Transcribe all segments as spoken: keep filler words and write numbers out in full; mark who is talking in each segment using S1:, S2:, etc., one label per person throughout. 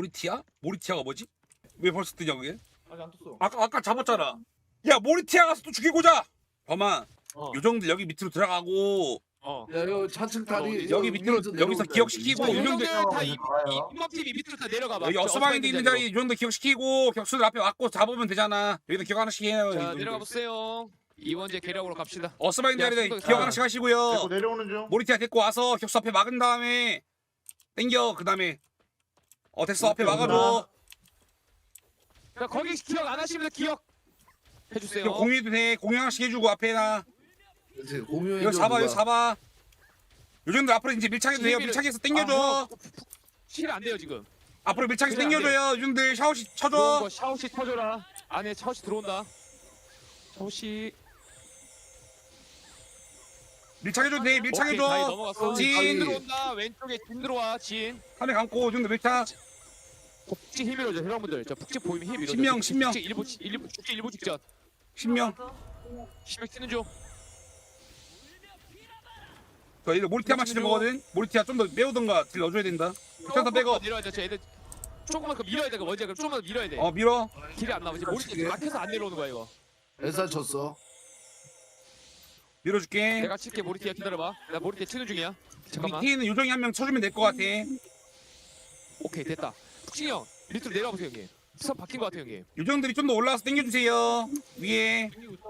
S1: 모리티아? 모리티아가 뭐지? 왜 벌써 뜨냐 그게?
S2: 아직 안 떴어.
S1: 아까 아까 잡았잖아. 야 모리티아 가서 또 죽이고자. 범아
S3: 어.
S1: 요정들 여기 밑으로 들어가고
S3: 어.
S4: 야 이거 차츰 다리
S1: 여기 밑으로 여기서 기억시키고
S3: 자,
S1: 요정들
S3: 요정들 다 이-
S5: 가요.
S3: 이 팀이 밑으로 다 내려가봐.
S1: 여기 어스마인드 있는 자리 요정들 기억시키고 격수들 앞에 왔고 잡으면 되잖아. 여기도 기억 하나씩 해요.
S3: 자
S1: 여기도.
S3: 내려가 보세요. 이번째 계략으로 갑시다.
S1: 어스마인드
S3: 야,
S1: 자리에
S3: 손도-
S1: 기억
S3: 아.
S1: 하나씩
S6: 데리고
S1: 하시고요.
S6: 내려오는 중.
S1: 모리티아 데리고 와서 격수 앞에 막은 다음에 땡겨 그 다음에 어 됐어 앞에 막아줘.
S3: 자 거기 기억 안 하시면 기억 해주세요.
S1: 이거 공유해도 돼. 공유 하나씩 해주고 앞에나
S4: 그렇지 공유해
S1: 이거 잡아 이거 잡아. 요정들 앞으로 이제 밀착해도 돼요.
S3: 시비를-
S1: 밀착해서
S3: 아,
S1: 땡겨줘.
S3: 형, 실 안 돼요 지금.
S1: 앞으로 밀착해서
S3: 그래, 안
S1: 땡겨줘요. 요정들 샤워시
S3: 들어온
S1: 쳐줘.
S3: 거 샤오시 터줘라. 안에 샤오시 들어온다. 샤오시.
S1: 밀착해줘도 돼.
S3: 오케이, 다이
S1: 밀착해줘.
S3: 넘어갔어.
S1: 진.
S3: 진 들어온다. 왼쪽에 진 들어와. 진.
S1: 카메 감고 요정들 밀착.
S3: 북지 힘 밀어줘. 여러분들. 저 북지 보이면 힘 밀어줘.
S1: 신명, 신명.
S3: 북지 일부 일부 북지 일부 직전.
S1: 신명.
S3: 신명 치는 중.
S1: 저 이거 모리티아 맞히는 거거든. 모리티아 좀 더 매우던가 딜 넣어줘야 된다. 일단 더 빼고.
S3: 내려야 돼. 저 애들 조금만 그 밀어야 돼. 그 먼저 조금만 밀어야 돼.
S1: 어 밀어.
S3: 길이 안 나와. 이제 머리 막혀서 안 내려오는 거야 이거.
S4: 엘사 쳤어
S1: 밀어줄게.
S3: 내가 칠게. 모리티아 기다려봐. 나 모리티아 치는 중이야. 잠깐만.
S1: 밑에 있는 요정이 한 명 쳐주면 될 것 같아.
S3: 오케이 됐다. 푹신이 형 밑으로 내려와 보세요 형님. 선 바뀐 것 같아요 형님.
S1: 요정들이 좀 더 올라와서 땡겨주세요. 위에.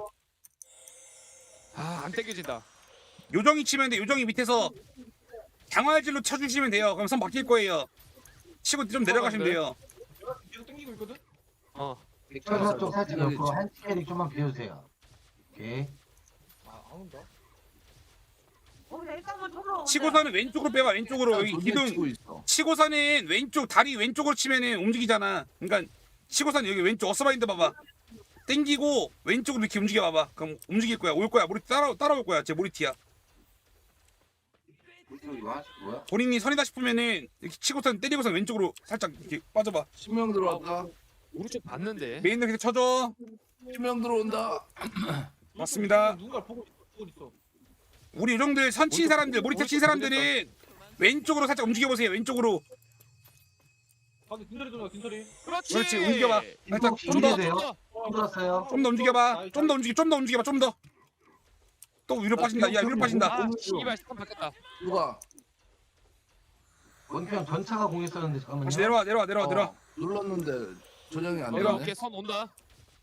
S3: 아안 땡겨진다.
S1: 요정이 치면 돼. 요정이 밑에서 장활질로 쳐주시면 돼요. 그럼 선 바뀔 거예요. 치고 좀 내려가시면 돼요.
S2: 계속 당기고 있거든.
S3: 어.
S5: 백천사 쪽 살짝 옆으로 한 캐릭 좀만 비워주세요. 오케이.
S2: 아, 안 온다.
S1: 치고서는 왼쪽으로 빼봐. 왼쪽으로 여기 기둥.
S4: 치고 있어
S1: 치고서는 왼쪽 다리 왼쪽으로 치면은 움직이잖아. 그러니까 치고서는 여기 왼쪽 어스바인드 봐봐. 땡기고 왼쪽으로 이렇게 움직여 봐봐. 그럼 움직일 거야. 올 거야. 모리 따라 따라올 거야. 제 모리티야.
S5: 이거 하실 거야?
S1: 본인이 선이다 싶으면은 이렇게 치고선 때리고서 왼쪽으로 살짝 이렇게 빠져봐.
S4: 신명 들어왔다
S3: 오른쪽 봤는데.
S1: 메인으로 계속 쳐줘.
S4: 신명 들어온다
S1: 맞습니다.
S2: 누군가 보고 있어. 보고 있어.
S1: 우리 요정들 선친 사람들 모리티아 친 사람들은 왼쪽으로 살짝 움직여 보세요. 왼쪽으로.
S2: 밖에 균소리 들어가 균소리.
S3: 그렇지.
S1: 그렇지. 움직여봐. 살짝 좀 더.
S5: 준비되세요? 힘들었어요.
S1: 좀 더 움직여봐. 좀 더 움직여. 좀 더 움직여봐. 좀 더. 또 위로 빠진다. 야 위로 빠진다.
S3: 아 씨발 선 바뀌었다.
S4: 누가
S5: 원평 전차가 공했었는데 잠깐만요.
S1: 다시 내려와 내려와 내려와 내려와.
S4: 어, 눌렀는데 조정이 안
S1: 내려와.
S4: 되네
S3: 오케이 선 온다.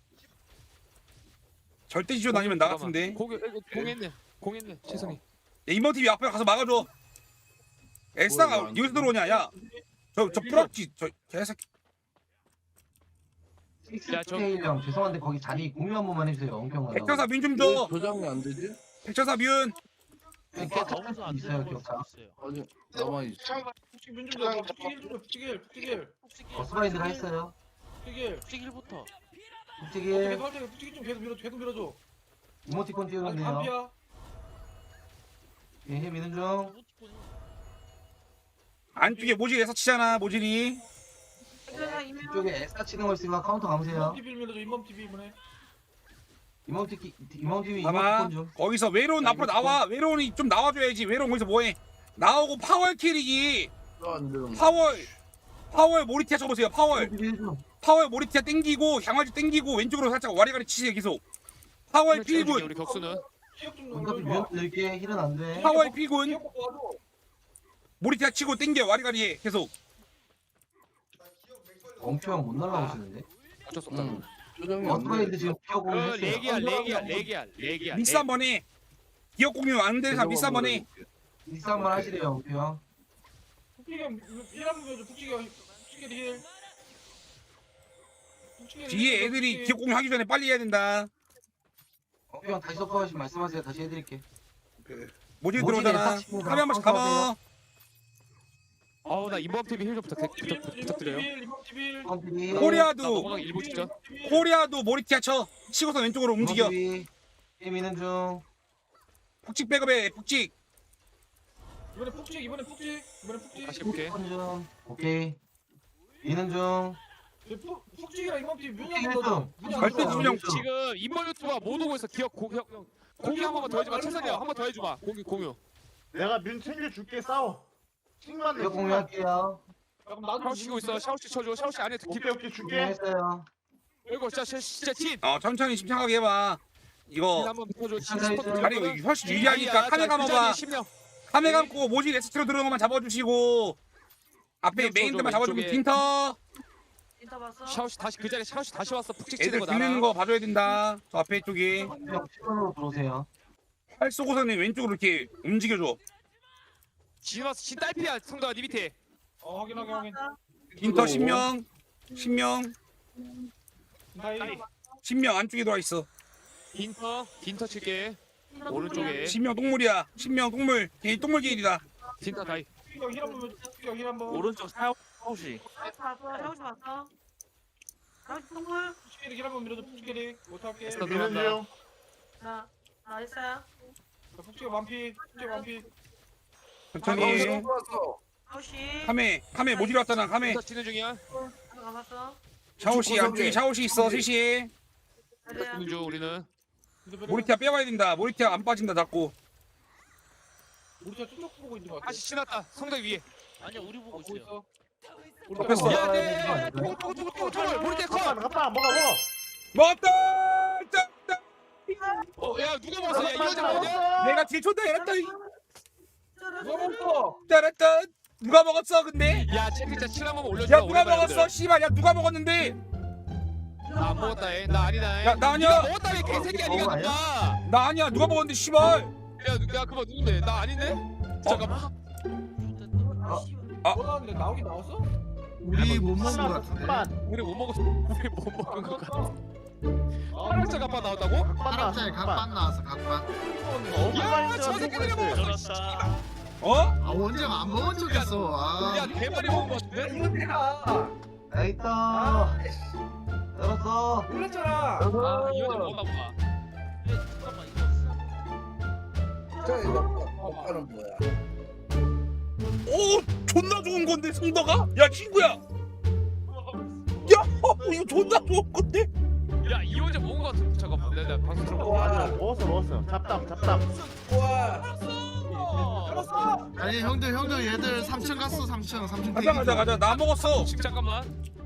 S1: 절대 지존 아니면 나 같은데.
S3: 공공 공했네. 공했네. 최성이.
S1: 야, 인버 티비 앞에 가서 막아줘. 엘사가
S4: 뭐야,
S1: 여기서 들어오냐? 야, 저 저 프락지 저 개새끼.
S3: 야, 저-
S5: 식스케일 형 죄송한데 거기 자리 공유 한 번만 해주세요. 원평
S1: 백천사 민 좀
S4: 왜
S1: 줘.
S4: 조정이 안 되지?
S1: 백천사 민.
S5: 너무 안 있어요 기억자.
S4: 아니 남아있어
S2: 북측 민중 좀 북측일 좀 북측일 북측일
S5: 어스바인드가 했어요.
S2: 북측일.
S3: 북지길부터.
S5: 솔직히
S2: 계속 할 때 북측일 좀 계속 밀어 계속 밀어줘.
S5: 이모티콘
S2: 아직
S5: 띄우는데요.
S2: 반피야.
S5: 예, 미는 중.
S1: 안쪽에 모질에서 치잖아. 모질이.
S5: 이쪽에 에스타 치는 거 있으니까 카운터 감으세요.
S2: 인범 티비 밀어줘. 인범 티비 이번에.
S5: 이모티키 이모티비
S1: 봐봐.
S5: 이모티콘 좀.
S1: 거기서 외로운 앞으로 나와. 외로운이 좀 나와줘야지. 외로운 거기서 뭐해? 나오고 파월 캐릭이
S4: 안 되는
S1: 파월 파월 모리티아 쳐보세요. 파월
S5: 이모티비 해줘.
S1: 파월 모리티아 땡기고 향화지 땡기고 왼쪽으로 살짝 와리가리 치세요. 계속. 파월 필군
S3: 우리 격수는.
S2: 기억 좀
S5: 원더비
S2: 넣어줘.
S5: 뮤 넣을게. 힐은 안 돼.
S1: 파월 필군
S2: 기억 먹고 와줘.
S1: 모리티아 치고 땡겨 와리가리 해. 계속.
S5: 원평 못 날라오시는데.
S3: 어쩔 수 없다.
S4: 응 조정이 안
S5: 어스바인드
S4: 돼
S5: 지금 피어
S3: 그
S5: 공했어요.
S3: 레기야 레기야 레기야 레기야.
S1: 미스 한 번 해. 기억 공유 안 되는 사람 미스 한 번 해.
S5: 미스 한번 하시래요 원평.
S2: 북측일 일한 밀어줘. 북측일 북측일 힐. 북측일
S1: 뒤에
S2: 힐,
S1: 애들이
S2: 북측일.
S1: 기억 공유 하기 전에 빨리 해야 된다.
S5: 원평 다시 섞어가시면 말씀하세요. 다시 해드릴게.
S1: 모질
S5: 모질에
S1: 들어오잖아.
S5: 딱 치고
S1: 카메 한 번씩
S5: 카운터
S1: 감아.
S3: 어우 나 인범 티비 힐좀 부탁 부탁
S2: 인범
S3: 부탁드려요.
S2: 티비 인범 티비.
S5: 인모티비.
S1: 코리아.
S3: 나
S1: 코리아도
S3: 넘어가기 일부 직전.
S1: 코리아도 모리티아 쳐. 치고서 왼쪽으로 움직여.
S5: 인모티비. 예, 미는 중.
S1: 북직 백업해. 북직.
S2: 이번에 북측 이번에 북측 이번에 북측.
S3: 다시 해볼게.
S5: 인모티콘 중. 오케이. 미는 중.
S2: 북 북측이랑 인범 티비 문이 안
S5: 북측
S2: 들어줘.
S5: 좀.
S2: 문이 안
S1: 절대
S2: 들어줘.
S1: 지금 형
S3: 지금 인범 유튜버 못 오고 있어. 기억 고 형. 공유 한 번만 더 해줘봐. 최선이야. 한 번 더 해줘봐. 공유 공유.
S6: 내가 민 챙겨줄게 싸워. 칭만 내.
S5: 이거 공유할게요.
S2: 그럼 나도
S3: 샤오시 치고 있어. 샤오시 쳐줘. 샤오시 안에 깊.
S2: 오케이 오케이 줄게.
S5: 준비했어요.
S3: 이거 진짜 진짜 진.
S1: 어 천천히 침착하게 해봐.
S3: 진
S1: 이거
S3: 한번 쳐줘. 진
S5: 괜찮아요.
S3: 스포트
S1: 다리
S3: 들어가면.
S1: 훨씬 유리하니까 카메 감아봐.
S3: 십명.
S1: 카메 감고 모질 에스트로 들어오는 것만 잡아주시고 앞에
S3: 왼쪽으로,
S1: 메인들만 잡아주고
S3: 왼쪽에.
S1: 빈터
S6: 인터 봤어?
S3: 샤오시 다시 그 자리에 샤오시 다시 왔어. 푹 찍히는
S1: 애들
S3: 거
S1: 죽는
S3: 나라.
S1: 거 봐줘야 된다. 저 앞에 쪽에
S5: 형 시간으로 들어오세요.
S1: 활 쏘고서는 왼쪽으로 이렇게 움직여줘.
S3: 진 왔어. 진 딸피야. 성도야 네 밑에.
S2: 어 확인 확인 확인.
S1: 빈터 십 명 십 명
S2: 다이.
S1: 십 명 안쪽에 들어와 있어.
S3: 빈터 빈터 칠게. 오른쪽에.
S1: 십 명 동물이야. 십 명 동물. 걔 동물 게일이다.
S3: 빈터 다이.
S2: 푸찌기가 힐 한번 푸찌기가 힐 한번.
S7: 오른쪽 샤오시.
S6: 봤어? 샤오시 봤어? 샤오시 동물?
S2: 푸찌기를 힐 한번 밀어줘. 푸찌기를 못할게.
S3: 에스터 들어간다.
S6: 나, 나 했어요.
S2: 푸찌기가 완피. 푸찌기가 완피.
S1: 천천히.
S6: 샤오시.
S1: 카메 카메 모질 왔잖아. 카메.
S3: 빈터 치는 중이야.
S6: 나 봤어?
S1: 샤오시 안쪽에 샤오시 있어. 셋이.
S6: 그래야.
S3: 치는 중 우리는.
S1: 모리티아 빼와야 된다. 모리티아 안 빠진다 자꾸.
S2: 우리 자 쭉 보고 있는 거 같아.
S3: 다시 신났다. 성도 위에.
S7: 아니야 우리 보고
S2: 보고
S7: 있어요.
S2: 있어.
S1: 잡혔어.
S3: 야, 네. 토, 토, 토, 토, 토. 모리테 컷.
S2: 가빠 먹어 먹어.
S1: 먹었다. 짠, 짠.
S3: 어, 야 누가 먹었어? 야 이거 좀 먹냐?
S1: 내가 딜 쳤다. 이랬다.
S2: 누가 먹어?
S1: 따랐다. 누가 먹었어 근데?
S3: 야 체크자 칠 한번 올려줘.
S1: 야 누가 먹었어? 씨발 야 누가 먹었는데?
S3: 나안 먹었다 해. 나 아니다 해.
S1: 야, 나 아니야.
S3: 네가 먹었다 해. 개새끼야
S5: 먹은 거
S3: 네가 누가?
S1: 나 아니야. 누가 먹었는데 씨발.
S3: 야, 누- 야 그거 누군데? 나 아닌데? 잠깐만.
S2: 뭐라는데 나오긴 나왔어?
S4: 우리 못 먹은 거 같은데.
S3: 우리 못 먹었어. 우리 못 먹은 거 같아. 파란색 아빠 나왔다고?
S4: 파란색 각반 나왔어 각반.
S3: 야, 저 새끼들이 먹었어.
S7: 저렇다.
S1: 어?
S4: 아 원장 안 먹은 척했어.
S3: 야,
S4: 아.
S3: 대머리 먹은 거 같은데?
S5: 야 있다. 열었어.
S2: 몰랐잖아.
S3: 아, 이 여자 먹었나 보다.
S7: 잠깐만 이거.
S8: 저 이거 오빠는 뭐야?
S1: 오 존나 좋은 건데 성덕아? 야 친구야. 야 어, 이거 존나 좋은 건데?
S3: 야, 이 여자 먹은 거 같은데. 잠깐만. 내가 내가 방송 들어봐.
S8: 와, 먹었어 먹었어. 잡담 잡담. 와,
S4: 아니 형들 형들 얘들 삼 층 갔어 삼 층 삼 층.
S1: 가자 가자 가자. 나 먹었어.
S3: 지금 잠깐만.